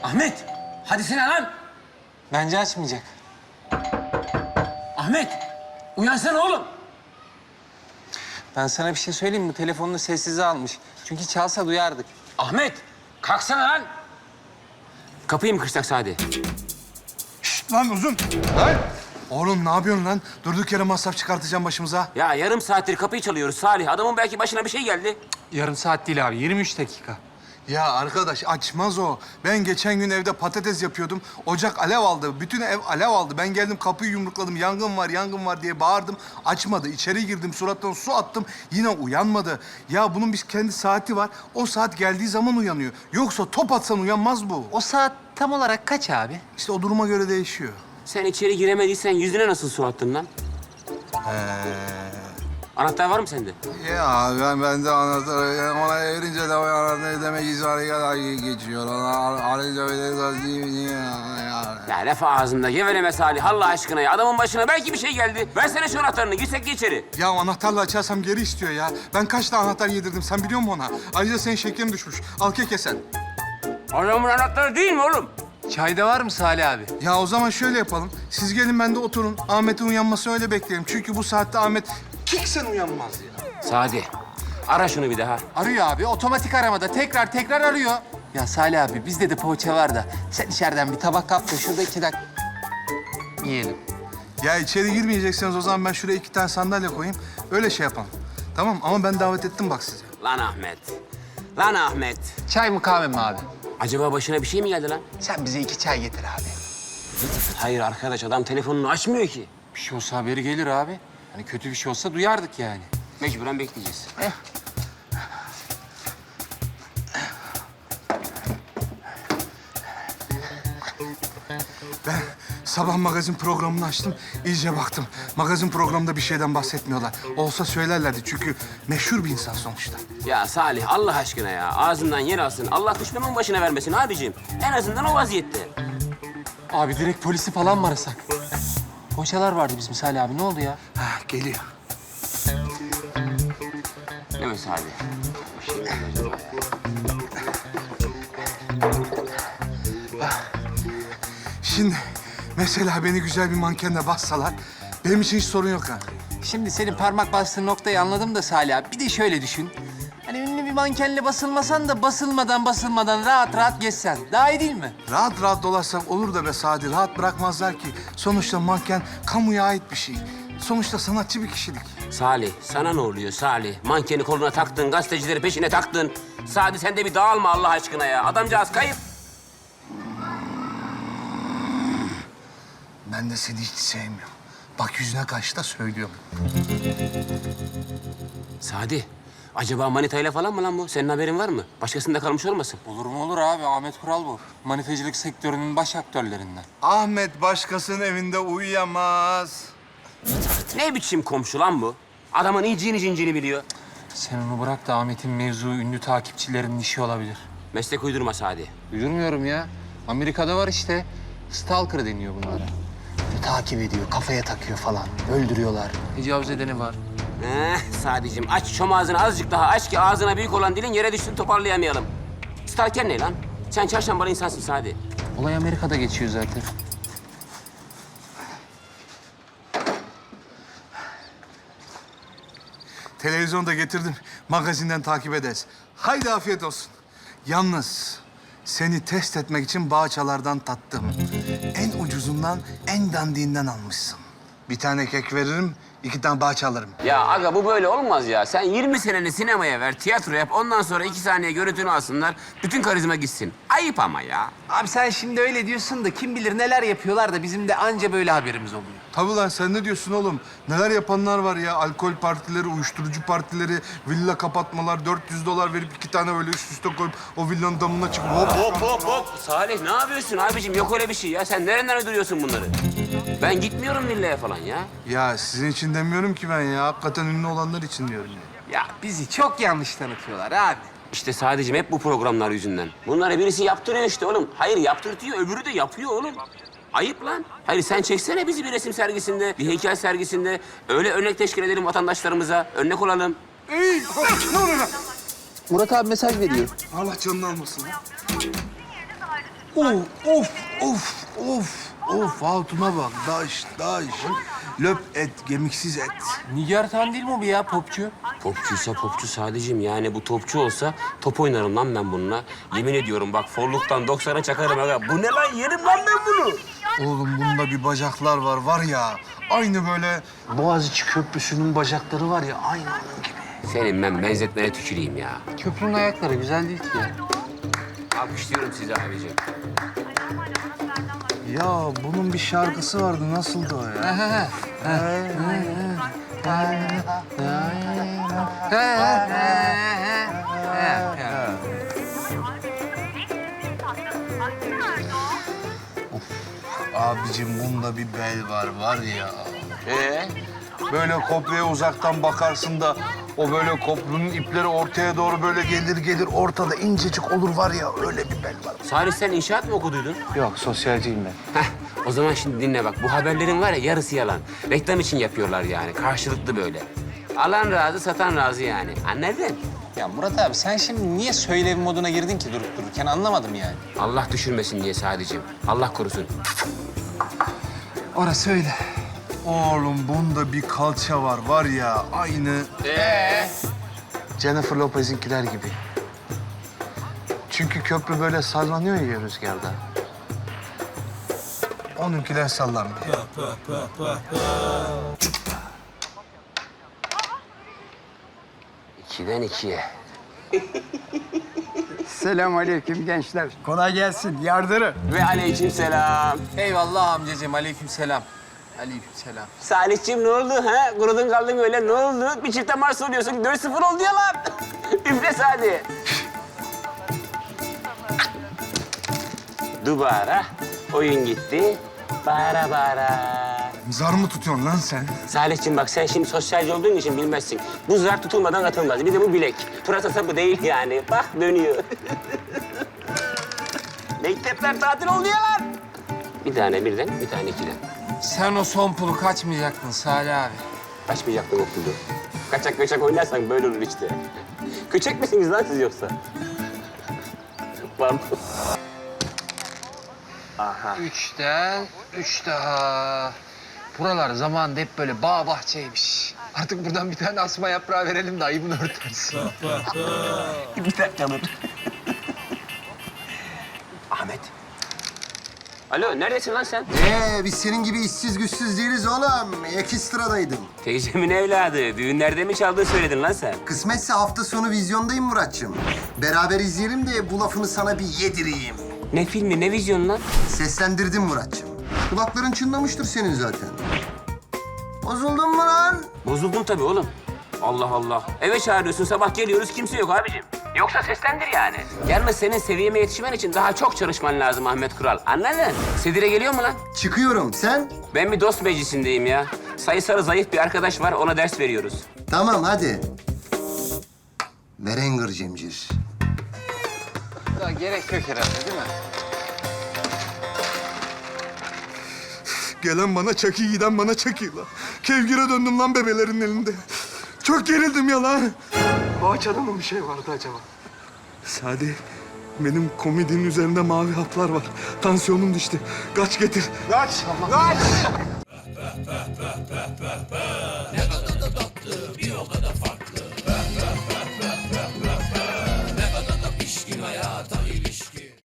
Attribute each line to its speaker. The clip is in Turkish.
Speaker 1: Ahmet, hadi sen lan.
Speaker 2: Bence açmayacak.
Speaker 1: Ahmet, uyansana oğlum.
Speaker 2: Ben sana bir şey söyleyeyim mi? Bu telefonunu sessize almış. Çünkü çalsa duyardık.
Speaker 1: Ahmet, kalksana lan. Kapıyı mı kırsak Sadi?
Speaker 3: Şşt lan uzun. Lan. Oğlum ne yapıyorsun lan? Durduk yere masraf çıkartacağım başımıza.
Speaker 1: Ya yarım saattir kapıyı çalıyoruz Salih. Adamın belki başına bir şey geldi.
Speaker 2: Yarım saat değil abi, 23 dakika.
Speaker 3: Ya arkadaş açmaz o. Ben geçen gün evde patates yapıyordum. Ocak alev aldı. Bütün ev alev aldı. Ben geldim kapıyı yumrukladım. Yangın var diye bağırdım. Açmadı. İçeri girdim. Surattan su attım. Yine uyanmadı. Ya bunun bir kendi saati var. O saat geldiği zaman uyanıyor. Yoksa top atsan uyanmaz bu.
Speaker 2: O saat tam olarak kaç abi?
Speaker 3: İşte o duruma göre değişiyor.
Speaker 1: Sen içeri giremediysen yüzüne nasıl su attın lan? Anahtar var mı sende?
Speaker 3: Ya ben de anahtarı ona erince de o anahtarı demek ki kadar geçiyor. Ona arayınca öyle değil mi ya?
Speaker 1: Ya laf ağzında geveleme Salih Allah aşkına ya. Adamın başına belki bir şey geldi. Versene şu anahtarını girsek de içeri.
Speaker 3: Ya anahtarla açarsam geri istiyor ya. Ben kaç tane anahtar yedirdim sen biliyor musun ona? Ayrıca senin şekerin düşmüş. Al keke sen.
Speaker 1: Adamın anahtarı değil mi oğlum?
Speaker 2: Çayda var mı Salih abi?
Speaker 3: Ya o zaman şöyle yapalım. Siz gelin ben de oturun. Ahmet'in uyanmasını öyle bekleyelim. Çünkü bu saatte Ahmet kiksen uyanmaz ya.
Speaker 1: Sadi, ara şunu bir daha.
Speaker 2: Arıyor abi, otomatik aramada. Tekrar arıyor. Ya Salih abi, bizde de poğaça var da. Sen içeriden bir tabak kap da şurada 2 dakika yiyelim.
Speaker 3: Ya içeri girmeyecekseniz o zaman ben şuraya 2 tane sandalye koyayım. Öyle şey yapalım. Tamam ama ben davet ettim bak size.
Speaker 1: Lan Ahmet. Lan Ahmet.
Speaker 2: Çay mı kahve mi abi?
Speaker 1: Acaba başına bir şey mi geldi lan?
Speaker 2: Sen bize 2 çay getir abi.
Speaker 1: Hayır arkadaş adam telefonunu açmıyor ki.
Speaker 2: Bir şey olsa haberi gelir abi. Hani kötü bir şey olsa duyardık yani.
Speaker 1: Mecburen bekleyeceğiz.
Speaker 3: Ben sabah magazin programını açtım. İyice baktım. Magazin programında bir şeyden bahsetmiyorlar. Olsa söylerlerdi çünkü meşhur bir insan sonuçta.
Speaker 1: Ya Salih Allah aşkına ya. Ağzından yer alsın. Allah düşmanın başına vermesin abiciğim. En azından o vaziyette.
Speaker 2: Abi direkt polisi falan mı arasak? Poğaçalar vardı bizim Salih abi. Ne oldu ya?
Speaker 3: Ha, geliyor.
Speaker 1: Değil mi Salih? Bir şey mi oldu acaba ya?
Speaker 3: Şimdi mesela beni güzel bir mankenle bassalar benim için hiç sorun yok ha.
Speaker 2: Şimdi senin parmak bastığın noktayı anladım da Salih abi. Bir de şöyle düşün. Hani ünlü bir mankenle basılmasan da basılmadan rahat geçsen. Daha iyi değil mi?
Speaker 3: Rahat rahat dolaşsak olur da be Sadi. Rahat bırakmazlar ki. Sonuçta manken kamuya ait bir şey. Sonuçta sanatçı bir kişilik.
Speaker 1: Salih sana ne oluyor Salih? Mankeni koluna taktın, gazetecileri peşine taktın. Sadi sen de bir dağılma Allah aşkına ya. Adamcağız kayıp.
Speaker 3: Ben de seni hiç sevmiyorum. Bak yüzüne karşı da söylüyorum.
Speaker 1: Sadi, acaba manitayla falan mı lan bu? Senin haberin var mı? Başkasında kalmış olmasın?
Speaker 2: Olur mu olur abi. Ahmet Kural bu. Manifecilik sektörünün baş aktörlerinden.
Speaker 3: Ahmet başkasının evinde uyuyamaz.
Speaker 1: Ne biçim komşu lan bu? Adamın iyiciğini cincini biliyor.
Speaker 2: Sen onu bırak da Ahmet'in mevzu ünlü takipçilerinin işi olabilir.
Speaker 1: Meslek uydurma Sadi.
Speaker 2: Uydurmuyorum ya. Amerika'da var işte. Stalker deniyor bunlara. Böyle takip ediyor, kafaya takıyor falan. Öldürüyorlar. Tecavüz edeni var.
Speaker 1: Sadicim aç şom ağzını azıcık daha aç ki ağzına büyük olan dilin yere düşsün toparlayamayalım. Stalker ne lan? Sen çarşambalı insansın Sadi.
Speaker 2: Olay Amerika'da geçiyor zaten.
Speaker 3: Televizyonda getirdim. Magazinden takip ederiz. Haydi afiyet olsun. Yalnız seni test etmek için bağçalardan tattım. En ucuzundan, en dandiğinden almışsın. Bir tane kek veririm, 2 tane bağça alırım.
Speaker 1: Ya aga bu böyle olmaz ya. Sen 20 seneni sinemaya ver, tiyatro yap. Ondan sonra 2 saniye görüntünü alsınlar. Bütün karizma gitsin. Ayıp ama ya.
Speaker 2: Abi sen şimdi öyle diyorsun da kim bilir neler yapıyorlar da bizim de anca böyle haberimiz oluyor.
Speaker 3: Tabii lan sen ne diyorsun oğlum? Neler yapanlar var ya. Alkol partileri, uyuşturucu partileri, villa kapatmalar, $400 verip 2 tane böyle üst üste koyup o villanın damına çıkıp hop.
Speaker 1: Salih ne yapıyorsun abicim? Yok öyle bir şey ya. Sen nereden uyduruyorsun bunları? Ben gitmiyorum villaya falan ya.
Speaker 3: Ya sizin için demiyorum ki ben ya. Hakikaten ünlü olanlar için diyorum ya.
Speaker 2: Ya bizi çok yanlış tanıtıyorlar abi.
Speaker 1: İşte sadece hep bu programlar yüzünden. Bunları birisi yaptırıyor işte oğlum. Hayır yaptırtıyor, öbürü de yapıyor oğlum. Ayıp lan. Hayır sen çeksene bizi bir resim sergisinde, bir heykel sergisinde. Öyle örnek teşkil edelim vatandaşlarımıza. Örnek olalım.
Speaker 2: Murat abi mesaj veriyor.
Speaker 3: Allah canını almasın ya. Of Hatun'a bak. Daş. Löp et, gemiksiz et.
Speaker 2: Nigar Tan değil mi o bir ya popçu?
Speaker 1: Popçuysa popçu sadece yani bu topçu olsa top oynarım lan ben bununla. Yemin ediyorum bak forluktan 90'a çakarım aga. Bu ne lan yerim lan ben bunu.
Speaker 3: Oğlum bunda bir bacaklar var ya. Aynı böyle Boğaziçi Köprüsü'nün bacakları var ya, aynı onun gibi.
Speaker 1: Senin ben benzetmene tüküreyim ya.
Speaker 2: Köprünün ayakları güzel değil ki ya.
Speaker 1: Alkışlıyorum sizi abicim.
Speaker 3: Ya bunun bir şarkısı vardı, nasıldı o ya? Abicim bunda bir bel var ya. Böyle köprüye uzaktan bakarsın da o böyle köprünün ipleri ortaya doğru böyle gelir ortada incecik olur var ya, öyle bir bel var.
Speaker 1: Salih sen inşaat mı okuduydun?
Speaker 3: Yok, sosyalciyim ben.
Speaker 1: Heh, o zaman şimdi dinle bak. Bu haberlerin var ya yarısı yalan. Reklam için yapıyorlar yani. Karşılıklı böyle. Alan razı, satan razı yani. Anladın?
Speaker 2: Ya Murat abi sen şimdi niye söylev moduna girdin ki durup dururken anlamadım yani.
Speaker 1: Allah düşürmesin diye sadece. Allah korusun.
Speaker 2: Orası öyle.
Speaker 3: Oğlum bunda bir kalça var ya, aynı Jennifer Lopez'inkiler gibi. Çünkü köprü böyle sallanıyor ya rüzgarda. Onunkiler sallanmıyor.
Speaker 1: İkiden ikiye.
Speaker 4: Selamünaleyküm gençler. Kolay gelsin. Yardırı.
Speaker 1: Ve aleykümselam.
Speaker 2: Eyvallah amcacığım, aleykümselam. Aleykümselam.
Speaker 1: Salihciğim ne oldu ha? Kurudun kaldın öyle ne oldu? Bir çifte maç soruyorsun. 4-0 oldu ya lan. Üfle hadi. Dubara. Oyun gitti. Bara.
Speaker 3: Zar mı tutuyorsun lan sen?
Speaker 1: Salihciğim bak sen şimdi sosyalci olduğun için bilmezsin. Bu zar tutulmadan atılmaz. Bir de bu bilek. Pırasa sapı değil yani. Bak dönüyor. Mektepler tatil oldu ya lan. Bir tane birden, bir tane ikiden.
Speaker 2: Sen o son pulu kaçmayacaktın Salih abi.
Speaker 1: Kaçmayacaktım okulda. Kaçak oynarsan böyle olur işte. Köçek misiniz lan siz yoksa? Pardon.
Speaker 2: Üç daha. Buralar zamanında hep böyle bağ bahçeymiş. Artık buradan bir tane asma yaprağı verelim de ayıbını örtersin.
Speaker 1: Bir dakika dur. Ahmet. Alo, neredesin lan sen?
Speaker 5: Biz senin gibi işsiz güçsüz değiliz oğlum. Ekstradaydım.
Speaker 1: Teyzemin evladı. Düğünlerde mi çaldığını söyledin lan sen?
Speaker 5: Kısmetse hafta sonu vizyondayım Muratçım. Beraber izleyelim de bu lafını sana bir yedireyim.
Speaker 1: Ne filmi, ne vizyonu lan?
Speaker 5: Seslendirdim Muratçım. Kulakların çınlamıştır senin zaten. Bozuldun mu lan?
Speaker 1: Bozuldum tabii oğlum. Allah Allah. Eve çağırıyorsun, sabah geliyoruz, kimse yok abicim. Yoksa seslendir yani. Yalnız senin seviyeme yetişmen için daha çok çalışman lazım Ahmet Kural. Anladın? Sedire geliyor mu lan?
Speaker 5: Çıkıyorum. Sen?
Speaker 1: Ben bir dost meclisindeyim ya. Sayısalı zayıf bir arkadaş var, ona ders veriyoruz.
Speaker 5: Tamam hadi. Verenger Cemcir.
Speaker 2: Daha gerek yok herhalde değil mi?
Speaker 3: Gelen bana çakı, giden bana çakıyla. Kevgire döndüm lan bebelerin elinde. Çok gerildim ya lan. Bahçede mı bir şey vardı acaba? Sadi, benim komedinin üzerinde mavi haplar var. Tansiyonum düştü. Kaç getir. Kaç! Kaç!
Speaker 6: pişkin hayata